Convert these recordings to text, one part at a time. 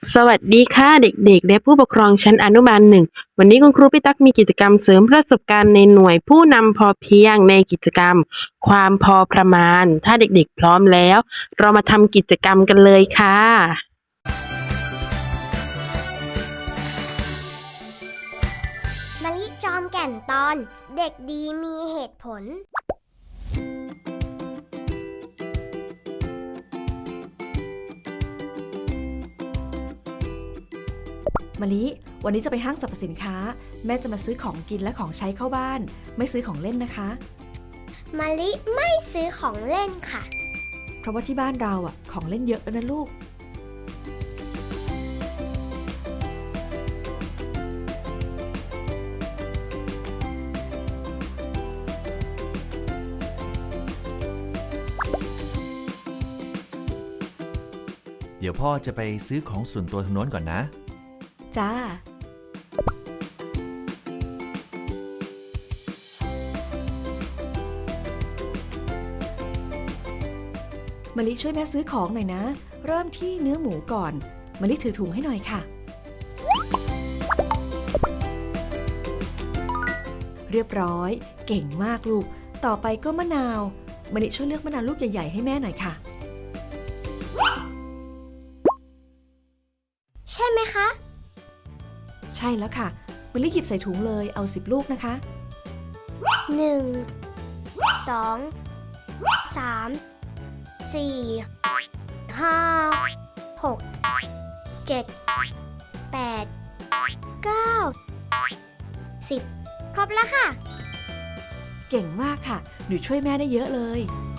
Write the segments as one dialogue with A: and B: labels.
A: สวัสดีค่ะเด็กๆและผู้ปกครองชั้นอนุบาลหนึ่งวันนี้คุณครูพี่ตั๊กมีกิจกรรมเสริมประสบการณ์ในหน่วยผู้นำพอเพียงในกิจกรรมความพอประมาณถ้าเด็กๆพร้อมแล้วเรามาทำกิจกรรมกันเลยค่ะ
B: มะลิจอมแก่นตอนเด็กดีมีเหตุผล
C: มะลิวันนี้จะไปห้างสรรพสินค้าแม่จะมาซื้อของกินและของใช้เข้าบ้านไม่ซื้อของเล่นนะคะ
B: มะลิไม่ซื้อของเล่นค่ะ
C: เพราะว่าที่บ้านเราของเล่นเยอะแล้วนะลูก
D: เดี๋ยวพ่อจะไปซื้อของส่วนตัวทางโน้นก่อนนะ
C: จ้า มะลิช่วยแม่ซื้อของหน่อยนะเริ่มที่เนื้อหมูก่อนมะลิถือถุงให้หน่อยค่ะเรียบร้อยเก่งมากลูกต่อไปก็มะนาวมะลิช่วยเลือกมะนาวลูกใหญ่ๆให้แม่หน่อยค่ะ
B: ใช่ไหมคะ
C: ใช่แล้วค่ะมะลิหยิบใส่ถุงเลยเอา10 ลูกนะคะ
B: 1 2 3 4 5 6 7 8 9 10ครบแล้วค่ะ
C: เก่งมากค่ะหนูช่วยแม่ได้เยอะเลย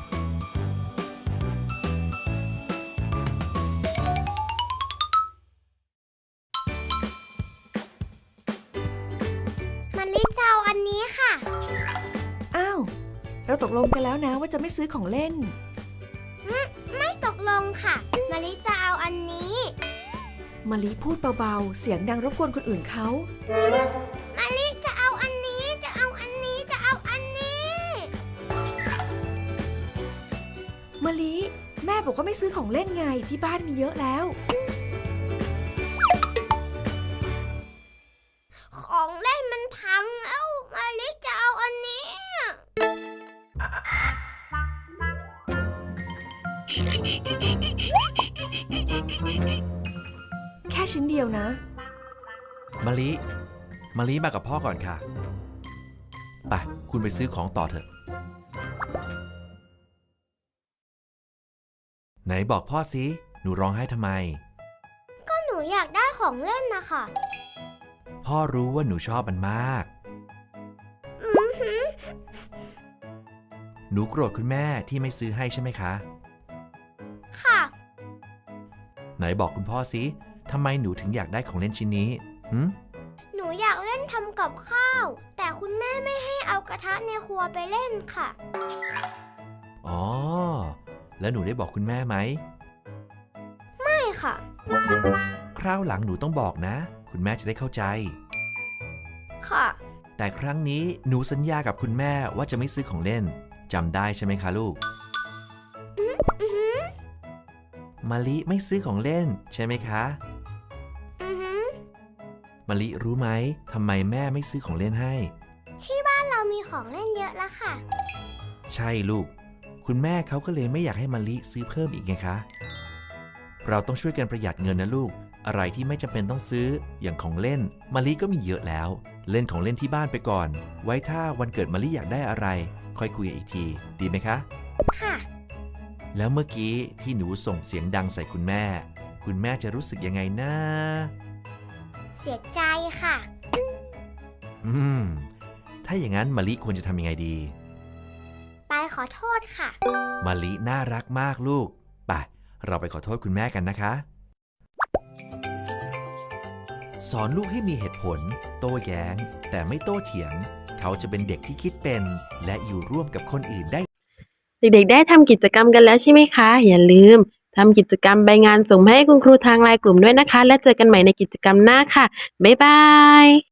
B: มะลิจะเอาอันนี้ค่ะ
C: อ้าวเราตกลงกันแล้วนะว่าจะไม่ซื้อของเล่น
B: ไม่ตกลงค่ะมะลิจะเอาอันนี้
C: มะลิพูดเบาๆเสียงดังรบกวนคนอื่นเขา
B: มะลิจะเอาอันนี้จะเอาอันนี้จะเอาอันนี้
C: มะลิแม่บอกว่าไม่ซื้อของเล่นไงที่บ้านมีเยอะแล้ว
B: ของเล่นมันพังแล้วมะลิจะเอาอันนี้
C: แค่ชิ้นเดียวนะ
D: มะลิมากับพ่อก่อนค่ะไปคุณไปซื้อของต่อเถอะไหนบอกพ่อสิหนูร้องไห้ทำไม
B: ก็หนูอยากได้ของเล่นนะคะ
D: พ่อรู้ว่าหนูชอบมันมากหนูโกรธคุณแม่ที่ไม่ซื้อให้ใช่ไหมคะ
B: ค่ะ
D: ไหนบอกคุณพ่อสิทำไมหนูถึงอยากได้ของเล่นชิ้นนี้
B: หนูอยากเล่นทำกับข้าวแต่คุณแม่ไม่ให้เอากระทะในครัวไปเล่นค่ะ
D: อ๋อแล้วหนูได้บอกคุณแม่ไหม
B: ไม่ค่ะ
D: คราวหลังหนูต้องบอกนะคุณแม่จะได้เข้าใจ
B: ค่ะ
D: แต่ครั้งนี้หนูสัญญากับคุณแม่ว่าจะไม่ซื้อของเล่นจำได้ใช่ไหมคะลูกมะลิไม่ซื้อของเล่นใช่ไหมคะมะลิรู้ไหมทำไมแม่ไม่ซื้อของเล่นให้
B: ที่บ้านเรามีของเล่นเยอะแล้วค่ะ
D: ใช่ลูกคุณแม่เขาก็เลยไม่อยากให้มะลิซื้อเพิ่มอีกไงคะเราต้องช่วยกันประหยัดเงินนะลูกอะไรที่ไม่จำเป็นต้องซื้ออย่างของเล่นมะลิก็มีเยอะแล้วเล่นของเล่นที่บ้านไปก่อนไว้ถ้าวันเกิดมะลิอยากได้อะไรค่อยคุยอีกทีดีไหมคะ
B: ค่ะ
D: แล้วเมื่อกี้ที่หนูส่งเสียงดังใส่คุณแม่จะรู้สึกยังไงนะ
B: เสียใจค่ะ
D: ถ้าอย่างนั้นมะลิควรจะทำยังไงดี
B: ไปขอโทษค่ะ
D: มะลิน่ารักมากลูกไปเราไปขอโทษคุณแม่กันนะคะสอนลูกให้มีเหตุผลโต้แย้งแต่ไม่โต้เถียงเขาจะเป็นเด็กที่คิดเป็นและอยู่ร่วมกับคนอื่นได้
A: เด็กๆได้ทำกิจกรรมกันแล้วใช่ไหมคะอย่าลืมทำกิจกรรมใบงานส่งมาให้คุณครูทางไลน์กลุ่มด้วยนะคะและเจอกันใหม่ในกิจกรรมหน้าค่ะบ๊ายบาย